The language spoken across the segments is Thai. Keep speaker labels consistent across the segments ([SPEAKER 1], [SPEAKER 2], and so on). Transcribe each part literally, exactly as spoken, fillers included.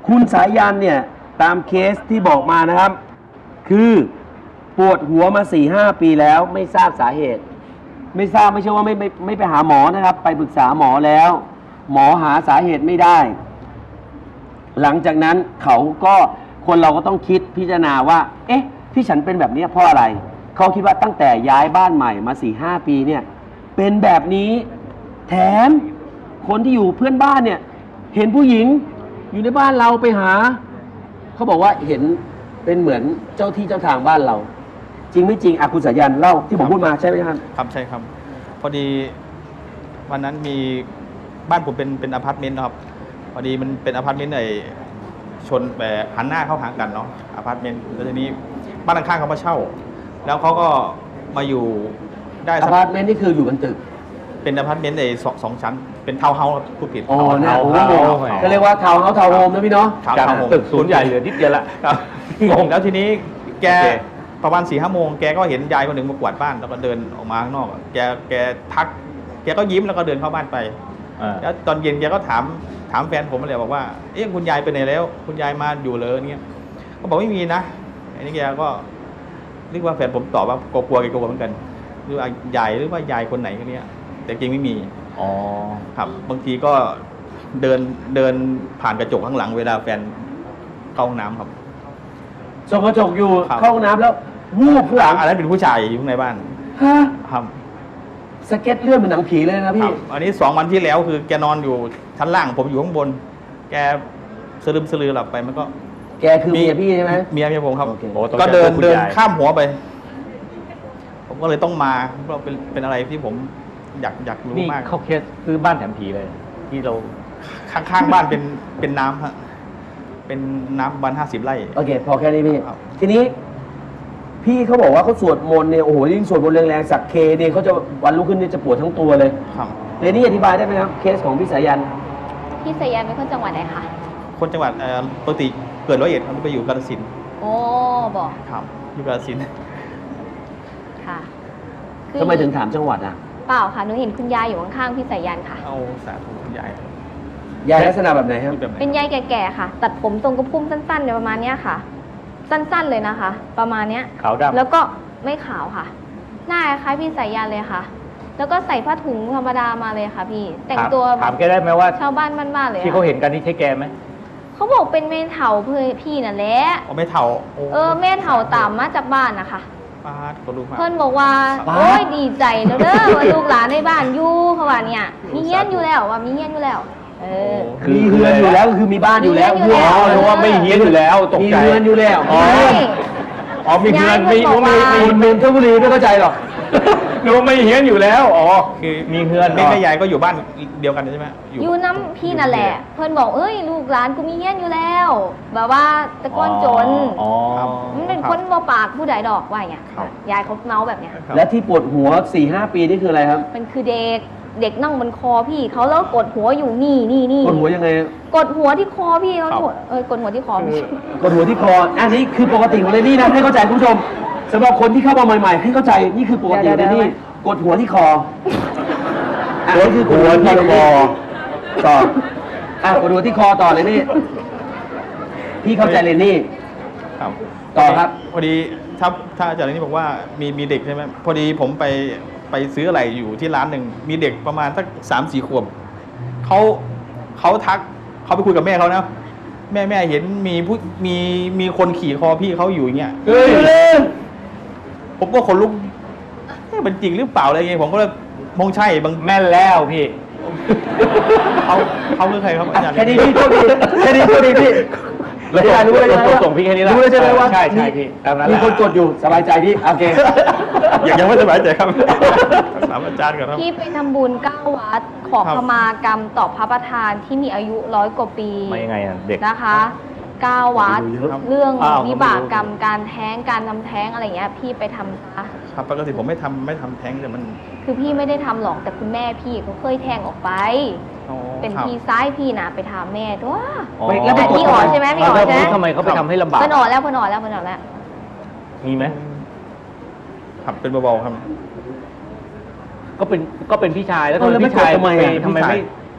[SPEAKER 1] คุณสายันเนี่ยตามเคสที่บอกมานะครับ คือปวดหัวมา สี่ห้า ปีแล้วไม่ทราบสาเหตุ ไม่ทราบไม่ใช่ว่าไม่ไม่ไม่ไปหาหมอนะครับ ไปปรึกษาหมอแล้ว หมอหาสาเหตุไม่ได้ หลังจากนั้นเขาก็คนเราก็ต้องคิดพิจารณาว่า เอ๊ะ ที่ฉันเป็นแบบนี้เพราะอะไร เขาคิดว่าตั้งแต่ย้ายบ้านใหม่มา สี่ห้า ปีเนี่ยเป็นแบบนี้แถมคนที่อยู่เพื่อนบ้านเนี่ยเห็นผู้หญิงอยู่ในบ้านเราไปหาเขาบอกว่าเห็นเป็นเหมือนเจ้าที่เจ้าทางบ้านเรา จริงไม่จริงอาคุณสายันเล่าที่ผมพูดมาใช่ไหมครับ
[SPEAKER 2] ครับใช่ครับพอดีวันนั้นมีบ้านผมเป็นเป็นอพาร์ตเมนต์นะครับพอดีมันเป็นอพาร์ตเมนต์ไอ้ชนแบบหันหน้าเข้าหากันเนาะอพาร์ตเมนต์แล้วทีนี้บ้านข้างๆเขามาเช่าแล้วเขาก็มาอยู่ได้
[SPEAKER 1] อพาร์ตเมนต์นี่คืออยู่บนตึก
[SPEAKER 2] เป็นอพาร์ตเมนต์ไอ้สองสองชั้นเป็นทาวน์เฮาส์ผู้ผิด
[SPEAKER 1] อ๋อเนี่ยโอ้โหก็เรียกว่าทาวน์เฮาส์ทาวน์โฮมนะพี่เนาะ
[SPEAKER 3] จากตึกศูนย์ใหญ่เหลือนิดเดียวละ
[SPEAKER 2] ครับแล้วทีนี้แกประมาณสี่ห้าโมงแกก็เห็นยายคนหนึ่งมากวาดบ้านแล้วก็เดินออกมาข้างนอกแกแกทักแกก็ยิ้มแล้วก็เดินเข้าบ้านไปแล้วตอนเย็นแกก็ถามถามแฟนผมมาเลยบอกว่าเอ๊ะคุณยายไปไหนแล้วคุณยายมาอยู่เลยเนี่ยก็บอกไม่มีนะอันนี้แกก็เรียกว่าแฟนผมตอบว่ากลัวแกกลัวเหมือนกันหรือว่ายายหรือว่ายายคนไหนคนนี้แต่จริงไม่มี
[SPEAKER 3] อ๋อ
[SPEAKER 2] ครับบางทีก็เดินเดินผ่านกระจกข้างหลังเวลาแฟนเข้าห้องน้ำครับ
[SPEAKER 1] ส่องกระจกอยู่เข้าห้องน้ำแล้ววูบข้างหลัง
[SPEAKER 2] อันนั้นเป็นผู้ชายอยู่ในบ้าน
[SPEAKER 1] ฮะ
[SPEAKER 2] ครับ
[SPEAKER 1] สเก็ตเลื่อนเหมือนหนังผีเลยนะพี่
[SPEAKER 2] อันนี้สองวันที่แล้วคือแกนอนอยู่ชั้นล่างผมอยู่ข้างบนแกสลืมสลือหลับไปมันก็
[SPEAKER 1] แกคือเมียพี่ใช่ไหม
[SPEAKER 2] เมียเมียผมครับก็เดินเดินข้ามหัวไปผมก็เลยต้องมาเพราะเป็นเป็นอะไรที่ผมอยากอยากรู้มาก
[SPEAKER 3] เข้าเคสซื้อบ้านแถมผีเลยที่เรา
[SPEAKER 2] ข้างๆบ้านเป็นเป็นน้ำฮะเป็นน้ำวันห้าสิบไร่
[SPEAKER 1] โอเคพอแค่นี้พี่ทีนี้พี่เขาบอกว่าเขาสวดมนต์เนี่ยโอ้โหยิ่งสวดมนต์แรงๆสักเคเนี่ยเขาจะวันรุ่งขึ้นเนี่ยจะปวดทั้งตัวเลย
[SPEAKER 2] ครับ
[SPEAKER 1] เรนนี่อธิบายได้ไหมครับเคสของพี่สายัน
[SPEAKER 4] พี่สายันเป็นคนจังหวัดไหนคะ
[SPEAKER 2] คนจังหวัดปกติเกิดร้อยเอ็ดเขาไปอยู่กาฬสินธุ์
[SPEAKER 4] โอ้บอก
[SPEAKER 2] ครับอยู่กาฬสินธุ์
[SPEAKER 4] ค่ะ
[SPEAKER 1] ทำไมถึงถามจังหวัดอ่ะ
[SPEAKER 4] เปล่าค่ะหนูเห็นคุณยายอยู่ข้างๆพี่สายันค่ะ
[SPEAKER 2] เอาสาธุคุณยาย
[SPEAKER 1] ยายลักษณะแบบไหนครับ
[SPEAKER 4] เป็นยายแก่ๆค่ะตัดผมทรงกระพุ่มสั้นๆเนี่ยประมาณเนี้ยค่ะสั้นๆเลยนะคะ ประมาณเนี้ย
[SPEAKER 3] ขาวดำ
[SPEAKER 4] แล้วก็ไม่ขาวค่ะหน้าคล้ายพี่สายันเลยค่ะแล้วก็ใส่ผ้าถุงธรรมดามาเลยค่ะพี่แต่งตัว
[SPEAKER 3] ถามแกได้ไหมว่า
[SPEAKER 4] ชาวบ้านบ้านๆเลย
[SPEAKER 3] ที่เขาเห็นกันนี่ใช่แกไหม
[SPEAKER 4] เขาบอกเป็นเมนเถาเพื่อพี่นั่นแหละ
[SPEAKER 2] อ๋อไม่เถา
[SPEAKER 4] เออเมนเถาตามมาจากบ้านนะคะ
[SPEAKER 2] ป้าก็รู้มา
[SPEAKER 4] เพื่อนบอกว่าโอ้ยดีใจแล้วเด้อว่าลูกหลานในบ้านอยู่เขาว่าเนี่ยมีเฮี้ยนอยู่แล้วว่ามีเฮี้ยนอยู่แล้วเออ
[SPEAKER 1] มีเฮือนอยู่แล้วคือมีบ้านอยู่แล้ว
[SPEAKER 4] อ๋อ
[SPEAKER 3] หรือว่าไม่เฮี้ยนอยู่แล้วตกใจ
[SPEAKER 1] มีเฮือนอยู่แล้ว
[SPEAKER 3] อ๋ออ๋อมีเฮือนมีมี
[SPEAKER 1] มีนนทบุรีไม่เข้าใจหรอก
[SPEAKER 3] นึกว่าไม่เฮี้ยนอยู่แล้วอ๋อคือมีเฮือน
[SPEAKER 2] แม่แม่ยายก็อยู่บ้านเดียวกันใช่ไหม
[SPEAKER 4] อยู่น้ำพี่นั่นแหละเพื่อนบอกเอ้ยลูกหลานกูมีเฮี้ยนอยู่แล้วแบบว่าตะก้อนจนมันเป็นคนบ่ปากผู้ใดดอกว่าอย่างเงี้ยยายเขาเมาแบบเนี้ย
[SPEAKER 1] และที่ปวดหัว สี่ห้า ปีนี่คืออะไรครับ
[SPEAKER 4] มันคือเด็กเด็กนั่งบนคอพี่เขาแล้วกดหัวอยู่นี่นี่นี่
[SPEAKER 1] กดหัวยังไง
[SPEAKER 4] กดหัวที่คอพี่เขาเออกดหัวที่คอ
[SPEAKER 1] กดหัวที่คออันนี้คือปกติของเรนนี่นะให้เข้าใจคุณผู้ชมสำหรับคนที่เข้ามาใหม่ๆให้เข้าใจนี่คือปกติของเรนนี่กดหัวที่คออันนี้คือหัวที่คอต่ออ่ะกดหัวที่คอต่อเลยนี่พี่เข้าใจเรนนี่
[SPEAKER 2] ครับ
[SPEAKER 1] ต่อครับ
[SPEAKER 2] พอดีถ้าถ้าอาจารย์นี่บอกว่ามีมีเด็กใช่ไหมพอดีผมไปไปซื้ออะไรอยู่ที่ร้านหนึ่งมีเด็กประมาณสักสามสี่ขวบเขาเขาทักเขาไปคุยกับแม่เขานะแม่แม่เห็นมีผู้มีมีคนขี่คอพี่เขาอยู่อย่างเงี้ย
[SPEAKER 1] เฮ้ย
[SPEAKER 2] ผมก็คนลุกมันจริงหรือเปล่าอะไรเงี้ยผมก็เลยมองใช่บาง
[SPEAKER 3] แม่นแล้วพี่
[SPEAKER 2] เขาเขาคือใครครับอาจารย์
[SPEAKER 1] แค่นี้พี่โชคดีแค่นี้โชคดีพี่
[SPEAKER 3] เรารู้เลยเราส่งพี่แค่นี้แล้ว
[SPEAKER 1] รู้เลยใช่ไหมว่า
[SPEAKER 3] ใช่ใช่พี่
[SPEAKER 1] มีคนกดอยู่สบายใจพี่โอเค
[SPEAKER 2] ยังไม่สบายใจครับถามอาจารย์ก่อนครับ
[SPEAKER 4] พี่ไปทำบุญเก้าวัดขอขมากรรมต่อพระประธานที่มีอายุร้อยกว่าปี
[SPEAKER 3] มายังไงอ่ะเด็ก
[SPEAKER 4] นะคะเก้าวัดเรื่องวิบากกรรมการแท้งการทำแท้งอะไรเงี้ยพี่ไปทำซะ
[SPEAKER 2] ครับปกติผมไม่ทำไม่ทำแท้งแต่มัน
[SPEAKER 4] คือพี่ไม่ได้ทำหรอกแต่คุณแม่พี่เขาเคยแท้งออกไปเป็นพี่ซ้ายพี่นะไปถามแม่ด้วยแล้วเป็นพี่อ่อนใช่ไหมพี่อ่อนใช่ไหม
[SPEAKER 3] ทำไมเขาไปทำให้ลำบาก
[SPEAKER 4] เพิ่นอ่อนแล้วเพิ่นอ่อนแล้วเพิ่นอ่อนแล้ว
[SPEAKER 3] มีไหม
[SPEAKER 2] ครับเป็นเบาๆครับ
[SPEAKER 3] ก็เป็นก็เป็นพี่ชายแล้วทำไมพี่ชายทำไมทำไมไม่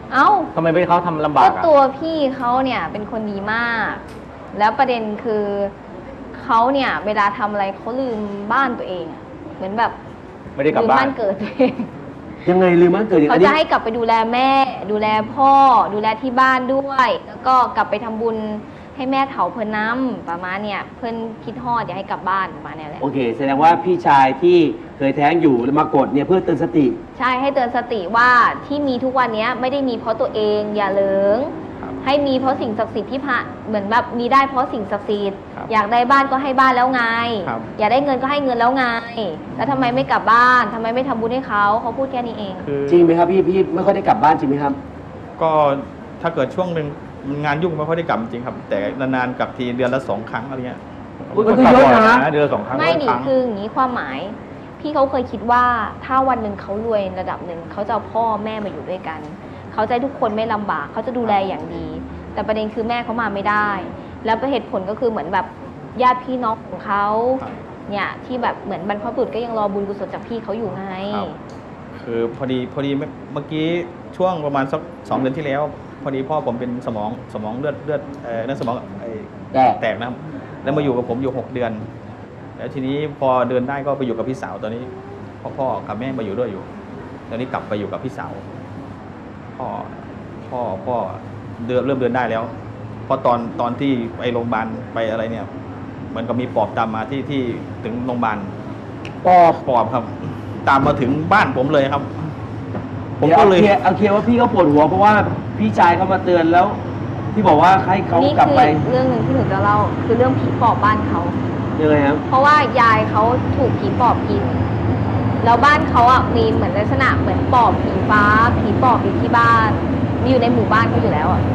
[SPEAKER 4] เอ้า
[SPEAKER 3] ทำไมไม่ให้เขาทำลำบา
[SPEAKER 4] ก็
[SPEAKER 3] กอ่ะ
[SPEAKER 4] ตัวพี่เขาเนี่ยเป็นคนดีมาก แล้วประเด็นคือเขาเนี่ยเวลาทำอะไรเขาลืมบ้านตัวเองอะเหมือนแบบ
[SPEAKER 3] ไม่ได้กลับ
[SPEAKER 4] ลืม
[SPEAKER 3] บ้า
[SPEAKER 4] บ้าน นเกิดตัวเอง
[SPEAKER 1] ยังไงลืมมันเกิดอย่าง
[SPEAKER 4] เขา
[SPEAKER 1] นี้
[SPEAKER 4] จะให้กลับไปดูแลแม่ ดูแลพ่อ ดูแลที่บ้านด้วย แล้วก็กลับไปทำบุญให้แม่เถาเพิ่นน้ำประมาณเนี่ยเพิ่นคิดฮอดอยากให้กลับบ้านประมาณเนี้ยแหละ
[SPEAKER 1] โอเค แสดงว่าพี่ชายที่เคยแท้งอยู่แล้วมากดเนี่ยเพื่อเตือนสติ
[SPEAKER 4] ใช่ให้เตือนสติว่าที่มีทุกวันเนี้ยไม่ได้มีเพราะตัวเองอย่าเหลิง
[SPEAKER 2] ครับ
[SPEAKER 4] ให้มีเพราะสิ่งศักดิ์สิทธิ์ที่พระเหมือนแบบมีได้เพราะสิ่งศักดิ์สิทธิ์
[SPEAKER 2] ครับ
[SPEAKER 4] อยากได้บ้านก็ให้บ้านแล้วไง
[SPEAKER 2] ครับ
[SPEAKER 4] อยากได้เงินก็ให้เงินแล้วไง แล้วทำไมไม่กลับบ้านทำไมไม่ทำบุญให้เขาเขาพูดแค่นี้เอง
[SPEAKER 2] คือ
[SPEAKER 1] จริงไหมครับพี่พี่ไม่ค่อยได้กลับบ้านจริงไหมครับ
[SPEAKER 2] ก็ถ้าเกิดช่วงหนึ่งงานยุ่งไม่ค่อยได้กลับจริงครับ แต่นานๆกลับทีเดือนละสองครั้งอะไรเงี้ย
[SPEAKER 1] อุ๊ยมันก็เยอะนะ
[SPEAKER 3] เดือนละสองครั้ง
[SPEAKER 4] ไม่ดิ
[SPEAKER 2] ครั้ง
[SPEAKER 4] คืออย่างนี้ความหมาย พี่เขาเคยคิดว่าถ้าวันหนึ่งเขารวยระดับหนึ่งเขาจะเอาพ่อแม่มาอยู่ด้วยกัน เขาจะให้ทุกคนไม่ลำบากเขาจะดูแลอย่างดี แต่ประเด็นคือแม่เขามาไม่ได้ แล้วเหตุผลก็คือเหมือนแบบญาติพี่น้องของเขา
[SPEAKER 2] ครับ
[SPEAKER 4] เนี่ยที่แบบเหมือนบรรพบุรุษก็ยังรอบุญกุศลจากพี่เขาอยู่ไง
[SPEAKER 2] ครับคือพอดีพอดีเมื่อเมื่อกี้ช่วงประมาณสักสองเดือนที่แล้ว พอดีพ่อผมเป็นสมองสมองเลือดเลือดเอ่อเลือดสมองไอ้
[SPEAKER 1] แตก
[SPEAKER 2] แตกนะครับ แล้วมาอยู่กับผมอยู่หกเดือน แล้วทีนี้พอเดินได้ก็ไปอยู่กับพี่สาวตอนนี้พ่อพ่อกับแม่มาอยู่ด้วยอยู่ ตอนนี้กลับไปอยู่กับพี่สาว พ่อพ่อพ่อเดินเริ่มเดินได้แล้วเพราะตอนตอนที่ไปโรงพยาบาลไปอะไรเนี่ยเหมือนกับมีปอบตามมาที่ที่ถึงโรงพยาบาล
[SPEAKER 1] ปอบ
[SPEAKER 2] ปอบครับ ตามมาถึงบ้านผมเลยครับ ผม
[SPEAKER 1] เดี๋ยว
[SPEAKER 2] ก็
[SPEAKER 1] เอา
[SPEAKER 2] เลย
[SPEAKER 1] เคลียร์เอาเคลียร์ว่าพี่ก็ปวดหัวเพราะว่าพี่ชายเขามาเตือนแล้ว ที่บอกว่าให้เขา
[SPEAKER 4] นี่
[SPEAKER 1] กลับ
[SPEAKER 4] คือ
[SPEAKER 1] ไป
[SPEAKER 4] เรื่องหนึ่งที่หนูจะเล่าคือเรื่องผีปอบบ้านเขา
[SPEAKER 1] ยังไงครับ
[SPEAKER 4] เพราะว่ายายเขาถูกผีปอบกิน แล้วบ้านเขาอ่ะมีเหมือนลักษณะเหมือนปอบผีฟ้า ผีปอบอยู่ที่บ้าน มีอยู่ในหมู่บ้านเขาอยู่แล้วอ่ะ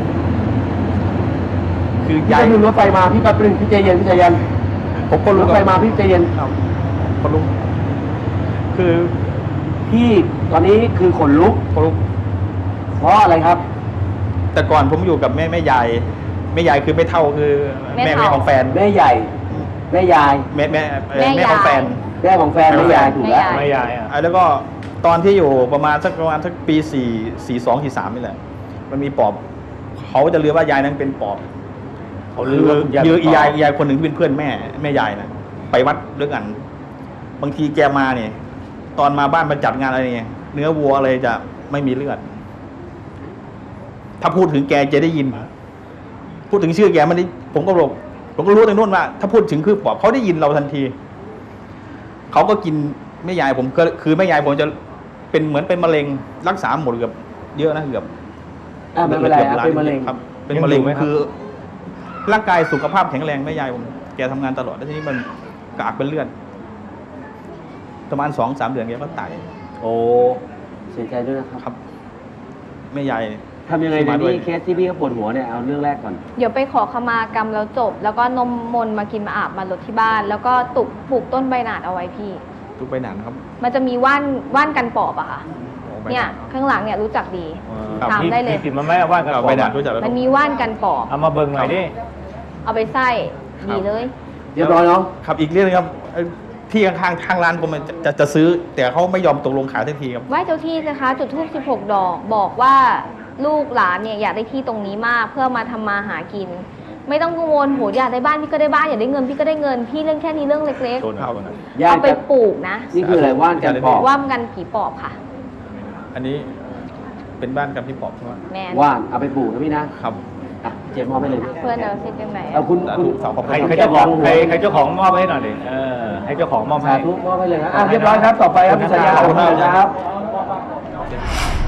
[SPEAKER 2] คือ
[SPEAKER 1] พี่
[SPEAKER 2] ยาย
[SPEAKER 1] ก็รู้รถไฟมาพี่แป๊บนึงพี่ใจเย็นพี่ใจเย็น
[SPEAKER 2] ผมก็
[SPEAKER 1] ร
[SPEAKER 2] รู้
[SPEAKER 1] ถไฟมาพี่ใจเย็น
[SPEAKER 2] ครับคนลุกคือ
[SPEAKER 1] พี่ตอนนี้คือขนลุก
[SPEAKER 2] คนลุก
[SPEAKER 1] เพราะอะไรครับ
[SPEAKER 2] แต่ก่อนผมอยู่กับแม่แม่ยายแม่ยายคือไม่เท่าคือ
[SPEAKER 4] แม่
[SPEAKER 2] แม่
[SPEAKER 4] เฒ่า
[SPEAKER 2] แม่ของแฟน
[SPEAKER 1] แม่ใหญ่ แม่ยาย
[SPEAKER 2] แม่แม่เอ่อ
[SPEAKER 4] แม่
[SPEAKER 2] แม่ของ
[SPEAKER 4] ยาย
[SPEAKER 2] แฟน
[SPEAKER 1] แม่ของแฟน
[SPEAKER 2] แม่
[SPEAKER 1] แม่ยายถูกแล้ว
[SPEAKER 4] แม่
[SPEAKER 3] ไม่ยายอ่ะ
[SPEAKER 2] อ่ะแล้วก็ตอนที่อยู่ประมาณสักประมาณสักปีสี่สี่สองสี่สามนี่แหละ มันมีปอบ เขาจะเลือว่ายายนั้นเป็นปอบ
[SPEAKER 3] เขาลือว่าคุณยาย
[SPEAKER 2] เยอะ
[SPEAKER 3] เป็นปอบ
[SPEAKER 2] ยายยายคนหนึ่งที่เป็นเพื่อนแม่แม่ยายนะไปวัดด้วยกัน บางทีแกมาเนี่ย ตอนมาบ้านมาจัดงานอะไรเนี่ยเนื้อวัวอะไรจะไม่มีเลือด ถ้าพูดถึงแกจะได้ยิน พูดถึงชื่อแกมันได้ผมก็บอกผมก็รู้ตรงนู้นว่า ถ้าพูดถึงคือปอบเขาได้ยินเราทันที เขาก็กินแม่ยายผมก็คือแม่ยายผมจะเป็นเหมือนเป็นมะเร็งรักษาหมดเกือบเยอะนะเกือบ
[SPEAKER 1] อ่ะไม่เป็นไร
[SPEAKER 2] กือบ
[SPEAKER 1] อ่ะ
[SPEAKER 2] ล้า
[SPEAKER 1] เป็นมะเร็ง
[SPEAKER 2] ครับ เป็นมะเร็งคือ ร่างกายสุขภาพแข็งแรงแม่ยายผมแกทำงานตลอดแล้วทีนี้มันกากเป็นเลือดประมาณสองสามเดือนแกก็ตาย
[SPEAKER 1] โอ้เสียใจด้วยนะครับ
[SPEAKER 2] ครับแม่ยาย
[SPEAKER 1] ทำยังไงดี
[SPEAKER 2] มาด้วย
[SPEAKER 1] นี่เคสที่พี่เขาปวดหัวเนี่ยเอาเรื่องแรกก่อน
[SPEAKER 4] เดี๋ยวไปขอขมากรรมแล้วจบ แล้วก็นมมนต์มากินมาอาบมาลดที่บ้าน แล้วก็ตุกปลูกต้นใบหนาดเอาไว้พี่
[SPEAKER 2] ทุกไปหนานครับ
[SPEAKER 4] มันจะมีว่านว่านกันปอบอะค่ะ
[SPEAKER 2] โอ้ใบ
[SPEAKER 4] เนี่ย
[SPEAKER 2] หาด
[SPEAKER 4] ข้างหลังเนี่ยรู้จักดี
[SPEAKER 2] ครับ
[SPEAKER 4] ถามได้เลย
[SPEAKER 3] มีติดมาไหมว่ากัน
[SPEAKER 2] เอา
[SPEAKER 3] ก่อ
[SPEAKER 2] ไป
[SPEAKER 3] น
[SPEAKER 2] หนานรู้จักแล้ว
[SPEAKER 4] มันมีว่านกันปอบ
[SPEAKER 3] เอามาเบิ่งหน่อยดิ
[SPEAKER 4] เอาไปไส้ดีเลย
[SPEAKER 1] เรียบร้อยเนาะ
[SPEAKER 2] ครับอีกเรื่องนึงครับเอ่อที่ข้างๆทางร้านผมมันจะจะจะซื้อ แต่เขาไม่ยอมตกลงขายทันทีครับ
[SPEAKER 4] ไหว้เจ้าที่นะคะ จุดธูปสิบหกดอก บอกว่าลูกหลานเนี่ยอยากได้ที่ตรงนี้มากเพื่อมาทำมาหากิน ไม่ต้องกังวลโหอยากได้บ้านพี่ก็ได้บ้านอยากได้เงินพี่ก็ได้เงินพี่เรื่องแค่นี้เรื่องเล็ก
[SPEAKER 3] โทษนะโทษนะ
[SPEAKER 4] ๆเอาไปปลูกนะ
[SPEAKER 1] นี่คืออะไรว่านกันปอบ
[SPEAKER 4] ว่ามกันผีปอบค่ะ
[SPEAKER 2] อันนี้เป็นบ้านกับพี่ปอบใช่ไหม
[SPEAKER 4] แมน
[SPEAKER 1] ว่านเอาไปปลูกนะพี่นะครับ อ่ะเจ็บมอบไปเลย
[SPEAKER 4] เพื่อนเราซิเป็นไหน
[SPEAKER 1] เอาคุณ
[SPEAKER 2] สา
[SPEAKER 1] คุณ
[SPEAKER 2] ธุสาวขอบ
[SPEAKER 3] ใค
[SPEAKER 2] คุ
[SPEAKER 3] ร
[SPEAKER 2] ณ
[SPEAKER 3] ใครเจ้าของใครใครเจ้าของมอบให้หน่อยดิเออให้เจ้าของมอบให้
[SPEAKER 1] สาธุมอบไปเลยนะอ่ะเรียบร้อยครับต่อไปครับคุณสายยาขอบคุณครับ